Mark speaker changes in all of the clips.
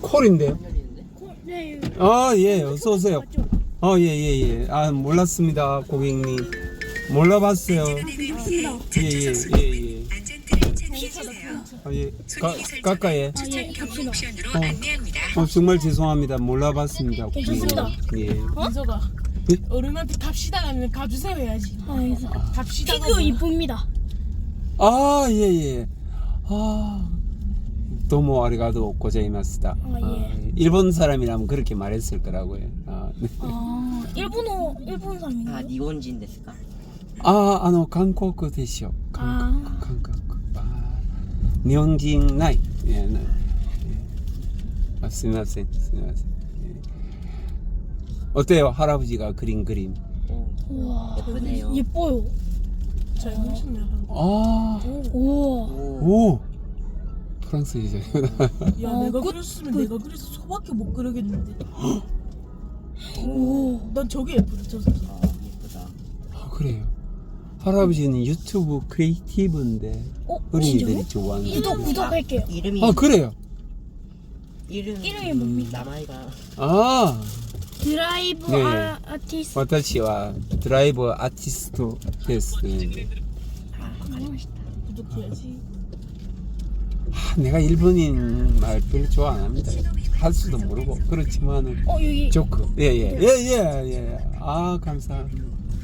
Speaker 1: 콜인데요.
Speaker 2: 네.
Speaker 1: 아, 예, 어서 오세요. 예. 아, 몰랐습니다, 고객님. 몰라봤어요. 예. 아, 예. 가까이. 정말 죄송합니다. 몰라봤습니다, 고객님. 예.
Speaker 3: 민서가
Speaker 1: 예?
Speaker 3: 어른한테 갑시다 하면 가주세요 해야지. 갑시다.
Speaker 2: 피규어 이쁩니다.
Speaker 1: 아, 예. 아, 도모 아리가도 고자이마스다. 일본 사람이라면 그렇게 말했을 거라고요. 네.
Speaker 2: 일본 사람인가요?
Speaker 4: 아, 니혼진 데스까?
Speaker 1: 한국 대시요. 한국. 일본인 나이. 예, 네. 스미마센. 예. 어때요, 할아버지가 그린 그림?
Speaker 2: 우와,
Speaker 4: 예쁘네요.
Speaker 2: 예뻐요.
Speaker 3: 잘 그리셨네요.
Speaker 2: 우와.
Speaker 1: 프랑스이죠.
Speaker 3: 야, 내가 그렸으면 내가 그래서 소밖에 못 그리겠는데. 난 저게 예쁘다, 저 사진.
Speaker 4: 예쁘다.
Speaker 1: 그래요. 할아버지는 유튜브 크리에이티브인데 어린이들이 좋아하는.
Speaker 2: 구독할게요.
Speaker 4: 이름이
Speaker 1: 그래요.
Speaker 2: 이름이 뭡니까?
Speaker 4: 나마이가
Speaker 2: 드라이브
Speaker 1: 네.
Speaker 2: 아티스트.
Speaker 1: 私はドライブアーティストです.
Speaker 3: 구독해야지.
Speaker 1: 내가 일본인 말 별로 좋아 안 합니다. 할 수도 모르고 그렇지만은
Speaker 2: 여기.
Speaker 1: 조크. 예. 아, 감사합니다.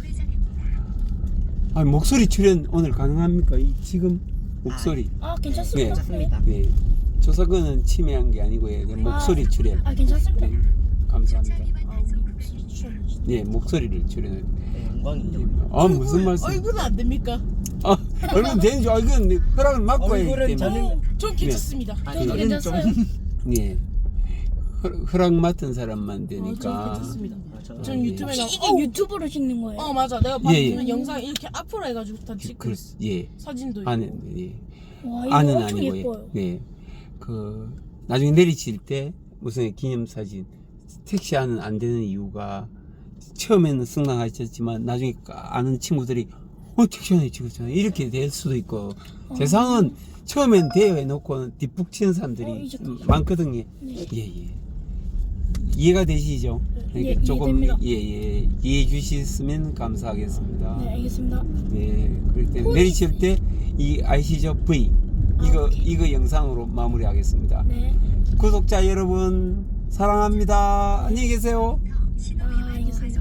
Speaker 1: 목소리 출연 오늘 가능합니까? 지금 목소리.
Speaker 2: 괜찮습니다.
Speaker 4: 좋습니다.
Speaker 1: 네. 조석은 침해한 게 아니고요. 목소리 출연.
Speaker 2: 괜찮습니다.
Speaker 1: 네. 감사합니다.
Speaker 3: 목소리 추천해주세요.
Speaker 1: 예, 목소리를 출연해.
Speaker 4: 영광이죠.
Speaker 1: 무슨 말씀?
Speaker 3: 얼굴은 안 됩니까?
Speaker 1: 얼굴 되는 줄 이건 허락을 막고 해야
Speaker 4: 얼굴은
Speaker 1: 때문에.
Speaker 3: 전 괜찮습니다.
Speaker 2: 저도 괜찮아요.
Speaker 1: 예. 허락 맡은 사람만
Speaker 3: 전
Speaker 1: 되니까.
Speaker 3: 괜찮습니다. 전 유튜브에 나.
Speaker 2: 이게 유튜브로 찍는 거예요?
Speaker 3: 맞아. 내가 봤는
Speaker 1: 예.
Speaker 3: 영상 이렇게 앞으로 해가지고 다 찍고 있어.
Speaker 1: 예.
Speaker 3: 사진도 있고.
Speaker 1: 아는, 예.
Speaker 2: 와, 이거
Speaker 1: 아는
Speaker 2: 엄청
Speaker 1: 아니고,
Speaker 2: 예뻐요.
Speaker 1: 예. 나중에 내리칠 때 무슨 기념사진, 택시 안은 안 되는 이유가 처음에는 승낙하셨지만 나중에 아는 친구들이 택시 안에 찍었잖아. 이렇게 될 수도 있고. 세상은 처음엔 대여해 놓고 뒷북 치는 사람들이 많거든요. 예. 이해가 되시죠?
Speaker 2: 예,
Speaker 1: 조금
Speaker 2: 이해됩니다.
Speaker 1: 이해해 주셨으면 감사하겠습니다.
Speaker 2: 네, 알겠습니다.
Speaker 1: 네, 그럴 때 내리칠 때 이 아시죠? V 이거 영상으로 마무리하겠습니다.
Speaker 2: 네.
Speaker 1: 구독자 여러분 사랑합니다. 안녕히 계세요.
Speaker 2: 알겠습니다.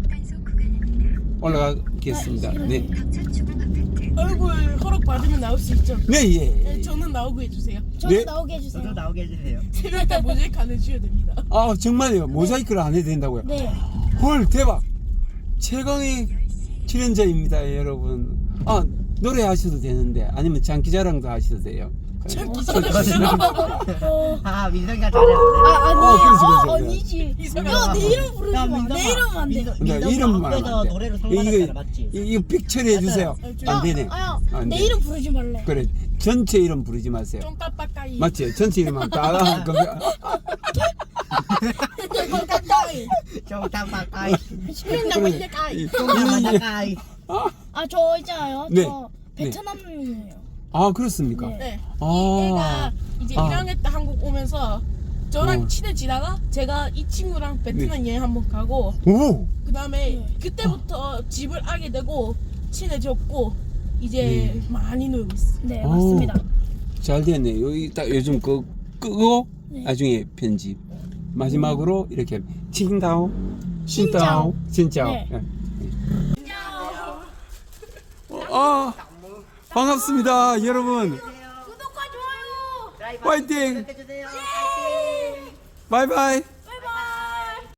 Speaker 1: 올라가겠습니다. 네.
Speaker 3: 얼굴 허락 받으면 나올 수 있죠.
Speaker 1: 네.
Speaker 3: 저는 나오고 해주세요.
Speaker 2: 저도
Speaker 1: 네.
Speaker 2: 나오게 해주세요.
Speaker 4: 저도 나오게 해주세요.
Speaker 3: 세 명 다 모자이크 안 해줘야 됩니다.
Speaker 1: 정말요. 모자이크를 안 해도 된다고요?
Speaker 2: 네.
Speaker 1: 헐, 대박. 최강의 출연자입니다, 여러분. 노래 하셔도 되는데 아니면 장기자랑도 하셔도 돼요.
Speaker 4: 아, 민성이가 잘해.
Speaker 2: 아니지.
Speaker 1: 그렇지.
Speaker 2: 내 이름 부르지 마. 내 이름은 안 돼.
Speaker 1: 근데 이름만
Speaker 4: 앞에서
Speaker 1: 안 돼.
Speaker 4: 노래로 상관했잖아, 맞지?
Speaker 1: 이거 픽 처리해 주세요. 안 되네. 안
Speaker 2: 내
Speaker 1: 돼.
Speaker 2: 이름 부르지 말래.
Speaker 1: 그래, 전체 이름 부르지 마세요.
Speaker 3: 좀 깜빡까이.
Speaker 1: 맞지? 전체 이름만 다.
Speaker 3: 깜빡까이.
Speaker 4: 좀 깜빡까이.
Speaker 2: 시끄럽다 말래까이.
Speaker 4: 좀 깜빡까이.
Speaker 2: 저 있잖아요.
Speaker 1: 네.
Speaker 2: 저 베트남이에요.
Speaker 1: 그렇습니까?
Speaker 3: 네.
Speaker 1: 아.
Speaker 3: 얘가 이제 1학년 때 한국 오면서 저랑 친해지다가 제가 이 친구랑 베트남 여행 한번 가고
Speaker 1: 오!
Speaker 3: 그 다음에 그때부터 집을 알게 되고 친해졌고 이제 많이 놀고 있어.
Speaker 2: 네, 맞습니다.
Speaker 1: 잘 됐네. 여기 딱 요즘 끄고 나중에 편집. 마지막으로 이렇게 칭다오, 신다오, 진짜오.
Speaker 2: 네.
Speaker 1: 반갑습니다, 여러분.
Speaker 2: 구독과 좋아요.
Speaker 1: 화이팅!
Speaker 4: 해주세요.
Speaker 1: 바이바이.